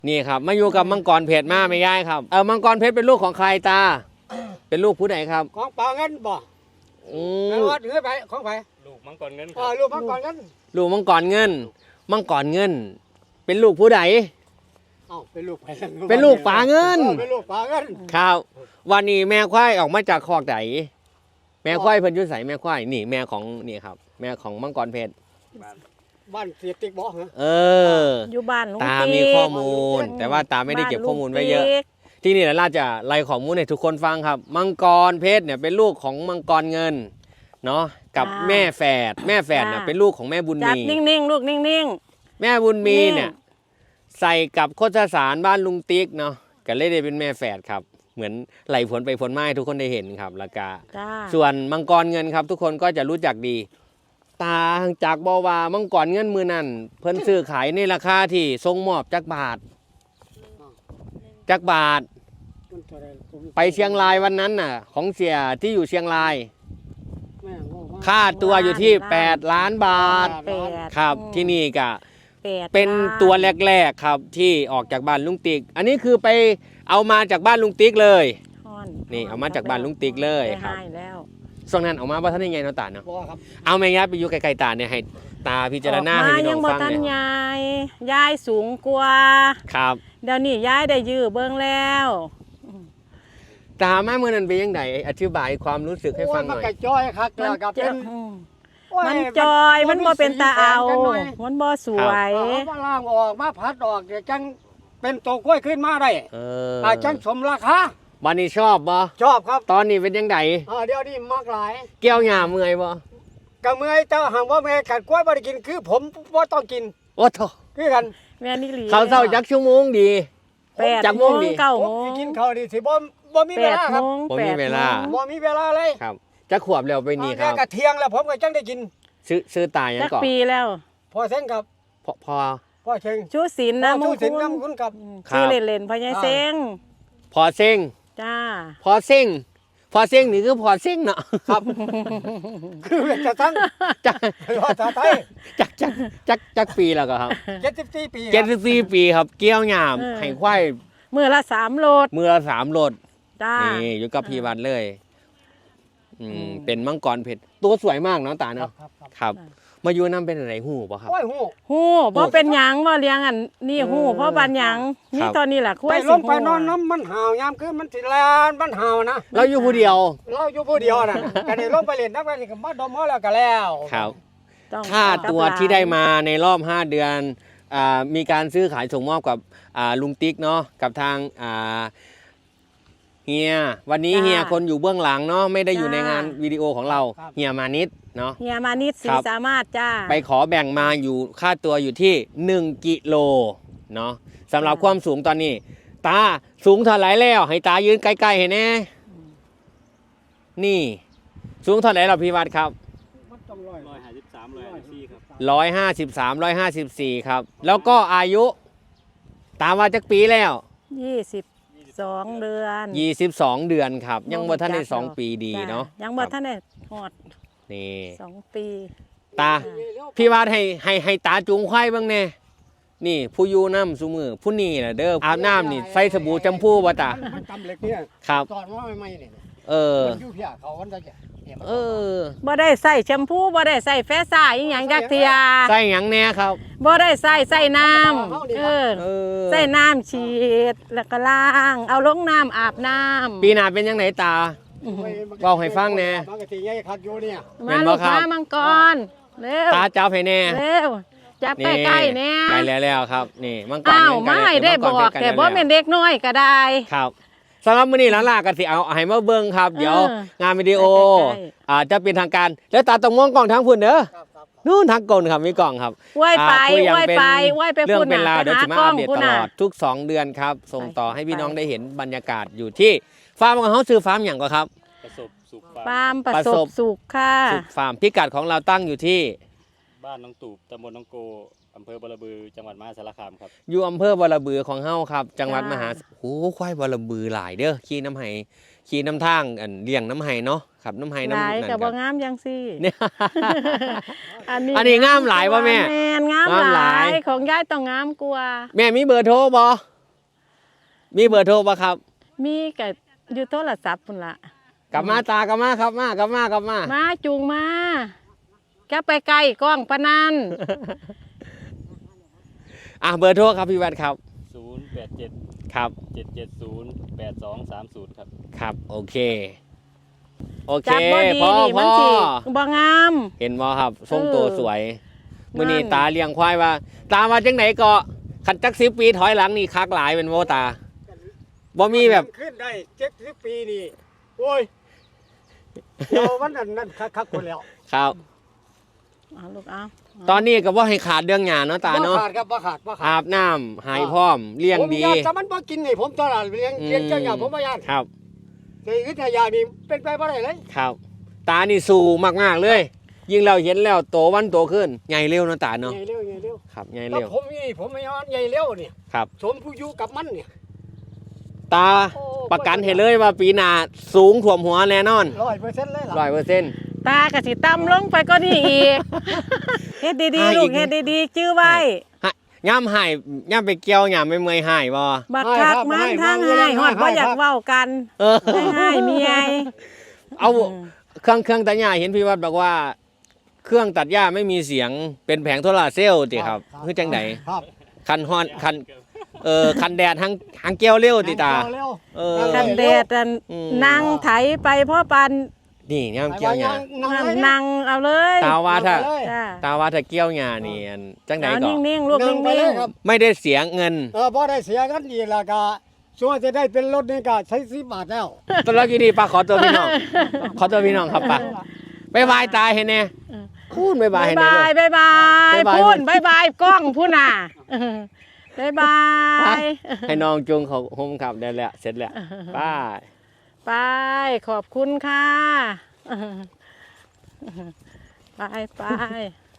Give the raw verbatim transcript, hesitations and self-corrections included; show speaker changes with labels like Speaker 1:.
Speaker 1: นี่ครับมาอยู่กับมังกรเพชรมาไม่ย่ายครับเออมังกรเพชรเป็นลูกของใครตาเป็นลูกผู้ใดครับ
Speaker 2: ของป่าเงินบ่
Speaker 1: อื
Speaker 2: มแล้วเหนือไปของไผ
Speaker 3: ลูกมังกรเงิน
Speaker 2: อ๋อลูกมังกรเงิน
Speaker 1: ลูกมังกรเงินมังกรเงินเป็นลูกผู้ใด
Speaker 2: อ้าวเป็นลูกไผ
Speaker 1: เป็นลูกป่าเงิน
Speaker 2: เป็นลูกป่าเงิน
Speaker 1: ครับวันนี้แม่ควายออกมาจากคอกไหนแม่ควายเพิ่นอยู่ไสแม่ควายนี่แม่ของนี่ครับแม่ของมังกรเพชร
Speaker 2: บ้านเสียติ๊กบ่ฮะ
Speaker 1: เออ
Speaker 4: อยู่บ้านลุง
Speaker 1: ตามีข้อมูลแต่ว่าตาไม่ได้เก็บข้อมูลไว้เยอะที่นี่แหละเราจะไล่ข้อมูลให้ทุกคนฟังครับมังกรเพชรเนี่ยเป็นลูกของมังกรเงินเนาะกับแม่แฝดแม่แฝดน่ะเป็นลูกของแม่บุญมี
Speaker 4: นิ่งๆลูกนิ่ง
Speaker 1: ๆแม่บุญมีเนี่ยใส่กับโคชสารบ้านลุงติ๊กเนาะก็เลยได้เป็นแม่แฝดครับเหมือนไหลผลไปผลมาให้ทุกคนได้เห็นครับแล้วก็ส่วนมังกรเงินครับทุกคนก็จะรู้จักดีตาจากบอว่ามังกรเงินมือนั่นเพิ่นซื้อขายในราคาที่ทรงมอบจักบาทจักบาทไปเชียงรายวันนั้นน่ะของเสียที่อยู่เชียงรายค่าตัวอยู่ที่แปดล้านบาทครับที่นี่ก็เป็นตัวแรกๆครับที่ออกจากบ้านลุงติ๊กอันนี้คือไปเอามาจากบ้านลุงติ๊กเลยนี่เอามาจากบ้านลุงติ๊กเลยครับช่วงนั้นออกมาว่าท่านยังไงเนาะตาเนาะเอาแม่ยัดไปอยู่ไกลๆตาเนี่ยให้ตาพิจารณาให้พี่น้องฟังเนี่ย
Speaker 4: ยายยายสูงกว่า
Speaker 1: ครับ
Speaker 4: เดี๋ยวนี้ยายได้ยื้อเบิ้งแล้ว
Speaker 1: ตาแม่เมื่อนั้นเป็นยังไงอธิบายความรู้สึกให้ฟังหน่อย
Speaker 2: มันจอยครับแล้วก็เป็น
Speaker 4: มันจอยมันบ่เป็นตาเอามันบ่สวย
Speaker 2: มาล่างออกมาพัดออกเดี๋ยวจังเป็นตัวกล้วยขึ้นมาได้เออจังสมราคา
Speaker 1: วันนี้ชอบบ่
Speaker 2: ชอบครับ
Speaker 1: ตอนนี้เป็นยังไง
Speaker 2: เดี๋ยวนี้มากหลาย
Speaker 1: เกี่ยวหญ้าเมื่อยบ่
Speaker 2: ก็เมื่อยแต่หากว่าแม่กัดกล้วยบ่ได้กินคือผมบ่ต้องกิน
Speaker 1: โอ้โธ่
Speaker 2: คือกัน
Speaker 4: แม่นี่หลี
Speaker 1: เขาเศร้าจักชั่วโมงดี
Speaker 4: จักโมงดี
Speaker 2: เก้าโมงกินข้าวดีสิบ่บ่มีเวลาครับ
Speaker 1: บ่มีเวลา
Speaker 2: บ่มีเวลาเลย
Speaker 1: ครับจะขวบแล้วไปนี่ครับ
Speaker 2: กะเที่ยงแล้วผมก็จังได้กิน
Speaker 1: ซื้อซื้อตายยังก่อน
Speaker 4: ปีแล้ว
Speaker 2: พอเซ้งครับ
Speaker 1: พอพอ
Speaker 2: พอเซ้ง
Speaker 4: ชูศิลป์นะ
Speaker 2: ชูศิลป์นำคุณกับ
Speaker 4: ชื่อเล่นๆพ่อใหญ่เซ้ง
Speaker 1: พอเซ้ง
Speaker 4: จ้า
Speaker 1: พอเซ้งพอเซ้งนี่คือพอเซ้งเนาะ
Speaker 2: ครับคือจะทั้ง
Speaker 1: จัก
Speaker 2: ภาษาไทย
Speaker 1: จักจักจักจักปีแล้วก็ครับ
Speaker 2: เจ็ดสิบสี่ปี
Speaker 1: เจ็ดสิบสี่ปีครับเกี่ยวหญ้าให้ควาย
Speaker 4: มือละสามโลด
Speaker 1: มือละสามโลด
Speaker 4: จ้า
Speaker 1: นี่อยู่กับพี่วัดเลยอืมเป็นมังกรเพชรตัวสวยมากเนาะตาเนาะครับมาอยู่น้ำเป็นอะไรหูป่ะครับ
Speaker 2: หู
Speaker 4: หูเพราะเป็นหยังว่าเลี้ยงอันนี่หูเพราะบันหยังนี่ตอนนี้แหละคุ้ย
Speaker 2: ลงไปนอนน้ำมันห่าวยามคือมันสิแลนมันห่าวนะ
Speaker 1: เราอยู่ผู้เดียว
Speaker 2: เราอยู่ผู้เดียวนะก็ได้ลงไปเล่นน้ำกันนี่ก็มาดมแล้วก็แล้ว
Speaker 1: ครับค่าตัวที่ได้มาในรอบห้าเดือนมีการซื้อขายส่งมอบกับลุงติ๊กเนาะกับทางเฮียวันนี้เฮียคนอยู่เบื้องหลังเนาะไม่ได้อยู่ในงานวิดีโอของเราเฮียมานิดเนาะ
Speaker 4: เฮียมานิดสีสามารถจ้า
Speaker 1: ไปขอแบ่งมาอยู่ค่าตัวอยู่ที่หนึ่งกิโลเนาะสำหรับความสูงตอนนี้ตาสูงเท่าไหร่แล้วให้ตายืนใกล้ๆเห็นแน่นี่สูงเท่าไหร่เราพี่วัดครับ
Speaker 3: ร้อยห้าสิบสามร้อยห้าสิบสี่ครับ
Speaker 1: ร้อยห้าสิบสามร้อยห้าสิบสี่ครับแล้วก็อายุตาว่าจักปีแล้ว
Speaker 4: ยี่สิบสองเดือน
Speaker 1: ยี่สิบสองเดือนครับยังบ่ทันได้สองปีดีเนาะ
Speaker 4: ยังบ่ทันได้หอด
Speaker 1: นี่
Speaker 4: สองปี
Speaker 1: ตาพี่วาดให้ให้ให้ตาจูงควายบ้างแน่นี่ผู้อยู่น้ำซุมือผู้นี่น่ะเด้ออาบน้ำนี่ใส่สบู่แชมพูบ่ตาครับ
Speaker 2: ตอนว่าไม่ๆเนี่ย
Speaker 1: เออ
Speaker 2: อยู่เพียเขาวันจะ
Speaker 1: เออ
Speaker 4: บ่ได้ใส่แชมพูบ่ได้ใส่แฟซ่าอีหยังจักเทีย
Speaker 1: ใส่หยังแน่ครับ
Speaker 4: บ่ได้ใส่ใส่น้ำเออใส่น้ำฉีดแล้วก็ล้างเอาลงน้ำอาบน้ำ
Speaker 1: ปีหน้าเป็นยังไงตาบอกให้ฟังแน่
Speaker 4: มาลูกค้ามังกรเร็ว
Speaker 1: ตาจับให้แน่
Speaker 4: เร็วจับใกล้ๆแน่
Speaker 1: ใกล้แล้วครับนี่มังกร
Speaker 4: อ้าวไม่ได้บอกแต่บ่เป็นเด็กน้อยก็ได้
Speaker 1: ครับสำหรับมื้อนี้หลานๆกันสิเอาให้มาเบิ่งครับเดี๋ยวงานวิดีโออาจจะเป็นทางการแล้วตาต้องมองกล้องทางพุ่นเด้อนู่นทางกลครับมีกล่องครับ
Speaker 4: ไหว้ไปไหว้ไปไหว้ไป
Speaker 1: เรื่องเป็นราวเดี๋ยวจะมาอัปเดตตลอดทุกสองเดือนครับส่งต่อให้พี่น้องได้เห็นบรรยากาศอยู่ที่ฟาร์มของเขาซื้อฟาร์มอย่างก็ครับ
Speaker 3: ประสบสุข
Speaker 4: ฟาร์มประสบสุขค่ะ
Speaker 1: สุขฟาร์มพิกัดของเราตั้งอยู่ที่
Speaker 3: บ้านน้องตูบตำบลน้องโกอำเภอบรบือจังหวัดมหาสารคามครับ
Speaker 1: อยู่อำเภอบรบือของเฮาครับจังหวัดมหาโอ้ควายบรบือหลายเด้อขี่น้ำไห้ขี่น้ำทางอันเลี้ยงน้ำไห้เนาะครับน้ำไห้น้ำนั่
Speaker 4: นกับบ่งามยังสิ
Speaker 1: อันนี้อันนี้งามหลายป่ะแม่
Speaker 4: แม่งามหลายของยายต้องงามกว่า
Speaker 1: แม่มีเบอร์โทรบ่มีเบอร์โทรป่ะครับ
Speaker 4: มีก็อยู่โทรศัพท์พุ่นละ
Speaker 1: กลับมาตากลับมาครับมากลับมากลับมา
Speaker 4: มาจูงมาแกไปไกลกล้องปะนัน
Speaker 1: อ่ะเบอร์โทรครับพี่แวดครับ
Speaker 3: ศูนย์แปดเจ็ด
Speaker 1: ครับ
Speaker 3: เจ็ดเจ็ดศูนย์แปดสองสามศูนย์ครับ
Speaker 1: ครับโอเคโอเค
Speaker 4: จับบ่ดี
Speaker 1: พ่อ
Speaker 4: นี่มัน
Speaker 1: พ่อ
Speaker 4: สิบ่งาม
Speaker 1: เห็นบ่ครับทรงตัวสวย
Speaker 4: นั่น
Speaker 1: มื้อนี้ตาเลี้ยงควายว่า ตามาจังไหนก็ขันจักสิบปีถอยหลังนี่คักหลายเป็นโมตาบ่มีแบบ
Speaker 2: ขึ้นได้เจ็ดสิบปีนี่โอ้ยเดี๋ยวมันนั่นนั่นคักๆคนแล้ว
Speaker 1: ครับ
Speaker 4: เอาลูกเอา
Speaker 1: ตอนนี้ก็บ่ให้ขาดเรื่องหยาเนาะตาเนาะ
Speaker 2: บ่ขาดครับบ่ขาดบ่ขา
Speaker 1: อา
Speaker 2: ด
Speaker 1: บน้ำหายพร้อมเลี้ยง
Speaker 2: ผม
Speaker 1: ดี
Speaker 2: อยากจะมันบ่กินนี่ผมตลอดเลี้ยง
Speaker 1: อืม
Speaker 2: เลี้ยงเจ้าอย่างผมบ่ยาน
Speaker 1: ครับ
Speaker 2: แต่วิทยานี่เป็นไปบ่ได้เลย
Speaker 1: ครับ ตานี่สู้มากๆเลย ยิ่งเราเห็นแล้วโตวันโตขึ้นใหญ่เร็วเนาะตาเนาะ
Speaker 2: ใหญ่เร็วใหญ่เร็ว
Speaker 1: ครับใหญ่
Speaker 2: แล้ว
Speaker 1: เร็ว
Speaker 2: ผมนี่ผมไม่ยอมใหญ่เร็วนี่
Speaker 1: ครับ
Speaker 2: สมผู้อยู่กับมันเนี่ย
Speaker 1: ตา
Speaker 2: โอ้
Speaker 1: ประกันให้เลยว่าปีหน้าสูงถ่วมหัวแน่นอน
Speaker 2: ร้อยเปอร์เซ็นต์เลยล่ะ
Speaker 1: ร้อยเปอร์เซ็นต์
Speaker 4: ตากะสิต่ำลงไปก็นี่อีก เฮ็ดดี
Speaker 1: หา
Speaker 4: ๆ ลู
Speaker 1: อี
Speaker 4: ก
Speaker 1: ก
Speaker 4: เฮ็ดดีๆจื้อไว้
Speaker 1: ย่ำหายย่ำไปเกี่ยวย่ำไม่เมื่อยหายบ่
Speaker 4: บักคักมันทางให้ฮอดบ่อยากเว้ากัน
Speaker 1: เออ
Speaker 4: ให้ให้เมีย
Speaker 1: เอาเครื่องเครื่องตัดหญ้าเห็นพี่วัดบอกว่า เครื่องตัดหญ้าไม่มีเสียงเป็นแผงโซลาร์เซลล์ติครับคือจังได
Speaker 2: ครับ
Speaker 1: คันฮอนคันเออคันแดดหังหังเกี่ยวเร็วติตา
Speaker 2: เร็ว
Speaker 1: เออ
Speaker 4: กันแดดอัน
Speaker 1: อืม
Speaker 4: นั่งไถไปพ่อปัน
Speaker 1: นี่ย่ำเกี่ยวหญ้า
Speaker 2: นั่งเลย
Speaker 4: นั่งเอาเลย
Speaker 1: ตาว่าถ้า
Speaker 2: เลย
Speaker 4: จ้า
Speaker 1: ตาว่าถ้าเกี่ยวหญ้านี่อันจังได
Speaker 4: เอา
Speaker 1: ก็
Speaker 4: นิ่งๆลูก
Speaker 2: นั่
Speaker 4: นิ่
Speaker 2: งไปเลย
Speaker 4: ง
Speaker 2: ครับ
Speaker 1: ไม่ได้เสียเงิน
Speaker 2: เออพอได้เสียกันดีและก็ช่วยจะได้เป็นรถนี่ก็ใช้สิบบาทแล้ว
Speaker 1: ตอนแรกดีๆป้าขอตัวพี่น้อง ขอตัวพี่น้องครับป้าบายบายตายให้แน่พูดบาย
Speaker 4: ๆ
Speaker 1: บาย
Speaker 4: บาย
Speaker 1: ให้แน่
Speaker 4: บาย
Speaker 1: เลย
Speaker 4: บายบาย
Speaker 1: บ๊ายบาย
Speaker 4: พูนบายบายกล้องพูนน่ะบายบาย
Speaker 1: ให้น้องจุงเขาโฮมขับได้แล้วเสร็จแล้วไป้า
Speaker 4: ไปขอบคุณค่ะ ไปไป